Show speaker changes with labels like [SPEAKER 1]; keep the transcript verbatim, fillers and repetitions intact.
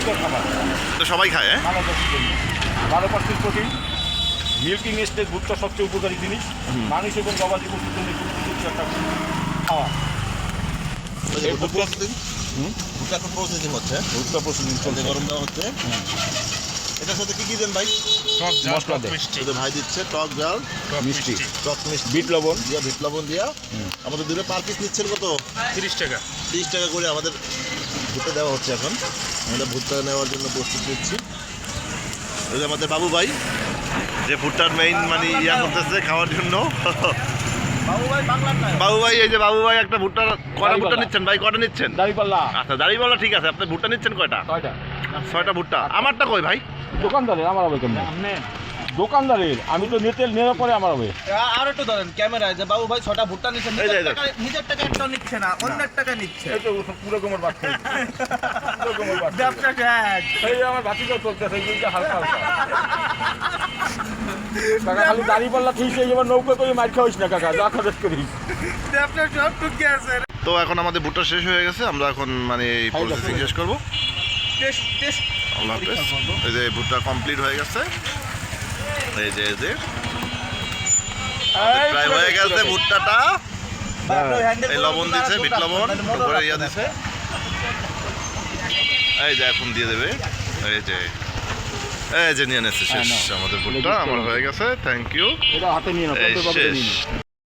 [SPEAKER 1] পুষ্টিকর খাবার,
[SPEAKER 2] তো সবাই খায় হ্যাঁ?
[SPEAKER 1] মানবজাতির জন্য। বারো পার্সেন্ট প্রোটিন, মিল্কিং স্টেজ ভুট্টা সবচেয়ে উপকারী জিনিস, মানুষ এবং গবাদি পশুর জন্য গুরুত্বপূর্ণ একটা খাওয়া। এই ভুট্টা হুম
[SPEAKER 3] ভুট্টা এখন প্রসেসিং হচ্ছে,
[SPEAKER 1] ভুট্টা প্রসেসিং চলছে,
[SPEAKER 3] গরম দেওয়া হচ্ছে। এটার সাথে কি কি দেন ভাই?
[SPEAKER 1] মশলা দেয়,
[SPEAKER 3] এটা ভাই দিচ্ছে টক জাল,
[SPEAKER 1] মিষ্টি,
[SPEAKER 3] টক মিষ্টি,
[SPEAKER 1] বিট লবণ
[SPEAKER 3] দিয়া বিট লবণ দিয়া। আমাদের দূরে পার পিস নিচ্ছেন কত?
[SPEAKER 4] তিরিশ টাকা।
[SPEAKER 3] তিরিশ টাকা করে আমাদের ভুট্টা দেওয়া হচ্ছে। এখন আমরা ভুট্টা নেওয়ার জন্য প্রস্তুত নিচ্ছি। ওই যে আমাদের বাবু ভাই যে ভুট্টার মেইন মানে ইয়া করতেছে খাওয়ার জন্য। বাবু ভাই এই যে বাবু ভাই একটা ভুট্টা কটা ভুট্টা নিচ্ছেন ভাই? কটা নিচ্ছেন?
[SPEAKER 1] দাঁড়িপাল্লা
[SPEAKER 3] আচ্ছা দাঁড়িপাল্লা ঠিক আছে। আপনি ভুট্টা নিচ্ছেন কয়টা?
[SPEAKER 1] কয়টা?
[SPEAKER 3] ছয়টা ভুট্টা। আমারটা কই ভাই?
[SPEAKER 1] দোকানদারের, আমার হবে কেমন? দোকানদারের, আমি তো নিতে নেওয়ার পরে আমার হবে।
[SPEAKER 4] আর একটু ধরেন ক্যামেরায় যে বাবু ভাই ছটা ভুট্টা নিচ্ছে,
[SPEAKER 3] এই যে,
[SPEAKER 4] নিজের
[SPEAKER 3] এই যে।
[SPEAKER 4] টাকা নিজের টাকা একটা নিচ্ছে না, অন্যের টাকা নিচ্ছে।
[SPEAKER 1] এই তো পুরো কোমর বাচ্চা, পুরো কোমর বাচ্চা।
[SPEAKER 4] ব্যবসা শেষ।
[SPEAKER 1] এই আমার বাতিটাও চলতেছে, এই দুইটা হালকা হালকা। কাকা খালি দাঁড়িপাল্লা ঠিক সেই এবার নৌকা করে মার খাওয়াইস না কাকা, যা খরচ করিস।
[SPEAKER 4] ব্যবসা সব টুকে আছে।
[SPEAKER 3] তো এখন আমাদের ভুট্টা শেষ হয়ে গেছে, আমরা এখন মানে প্রসেসিং শেষ করবো।
[SPEAKER 4] টেস্ট টেস্ট
[SPEAKER 3] আল্লাহ হাফেজ। এই যে ভুট্টা কমপ্লিট হয়ে গেছে, এই যে এই যে প্রায় হয়ে গেছে ভুট্টাটা। এই লবণ দিছে, বিট লবণ উপরে ইয়া দিছে। এই যে এখন দিয়ে দেবে। এই যে এই যে নিয়ে নেছে শেষ আমাদের ভুট্টা আমার হয়ে গেছে। Thank you.
[SPEAKER 1] এটা হাতে নিয়ে না,
[SPEAKER 3] এই
[SPEAKER 1] পঞ্চাশ টাকা
[SPEAKER 3] শেষ।
[SPEAKER 1] নিয়ে নে।